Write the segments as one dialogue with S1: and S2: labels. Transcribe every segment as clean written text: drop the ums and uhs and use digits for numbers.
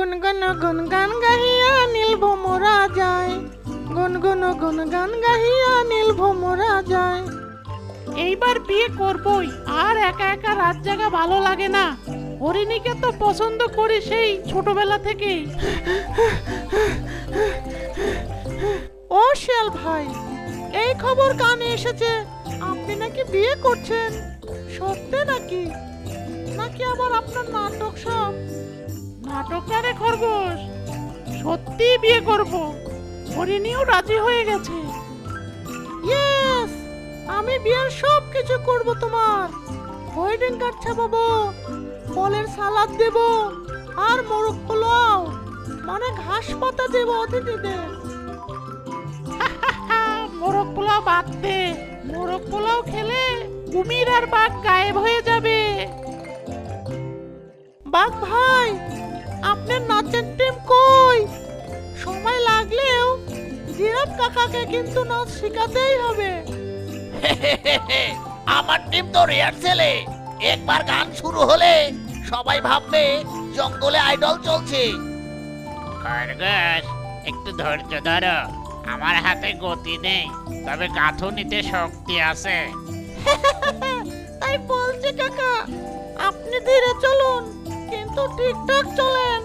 S1: গুনগান গাহিয়া নীল ভোমরা যায়, গুনগান গাহিয়া নীল ভোমরা যায়।
S2: এইবার বিয়ে করবই, আর একা একা রাত জাগা ভালো লাগে না। হরিণীকে তো পছন্দ করি সেই ছোটবেলা থেকেই।
S1: ও শিয়াল ভাই, এই খবর কানে এসেছে আপনি নাকি বিয়ে করছেন। সত্যি নাকি? নাকি আবার আপনার নাটক সব?
S2: নাটক না রে খরগোশ, সত্যি বিয়ে করব। হরিণীও রাজি হয়ে গেছে।
S1: ইয়েস, আমি বিয়ের সব কিছু করব তোমার। ওয়েডিং কার্ড ছাপাবো, ফলের সালাদ দেব, আর মোরগ পোলাও মানে ঘাস পাতা দেব অতিথিদের।
S2: মোরগ পোলাও বাদ দে, মোরগ পোলাও খেলে কুমির আর বাঘ গায়েব হয়ে যাবে।
S1: বাঘ ভাই, আপনার নাচের টিম কই? সময় লাগলেও জিরাফ কাকাকে কিন্তু নাচ শেখাতেই হবে।
S3: আমার টিম তো রিহার্সেলে। একবার গান শুরু হলে সবাই ভাববে জঙ্গলে আইডল চলছে।
S4: খরগোশ, একটু ধৈর্য ধরো। আমার হাতে গতি নেই, তবে গাঁথুনিতে শক্তি আছে।
S1: তাই বলছি কাকা, আপনি ধীরে চলুন কিন্তু ঠিকঠাক চলেন।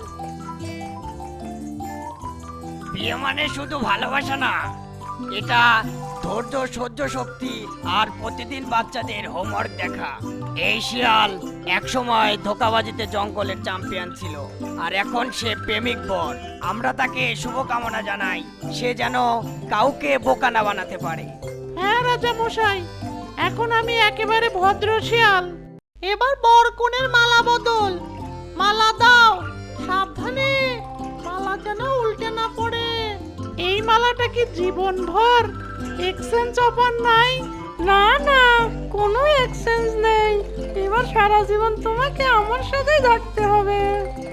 S5: বিয়ে মানে শুধু ভালোবাসা না, এটা ধৈর্য, সহ্য শক্তি আর প্রতিদিন বাচ্চাদের হোমওয়ার্ক দেখা। এই শিয়াল একসময় ধোঁকাবাজিতে জঙ্গলের চ্যাম্পিয়ন ছিল, আর এখন সে প্রেমিক বর। আমরা তাকে শুভকামনা জানাই, সে যেন কাউকে বোকা না বানাতে পারে।
S2: হ্যাঁ রাজা মশাই, এখন আমি একেবারে ভদ্র শিয়াল।
S1: এবার বর কনের মালা বদল। মালা দাও, সাবধানে, মালা যেন উল্টে না পড়ে।
S2: এই মালাটা কি জীবনভর এক্সচেঞ্জ অফার নাই?
S1: না না, কোনো এক্সচেঞ্জ নেই। এবার সারা জীবন তোমাকে আমার সাথেই থাকতে হবে।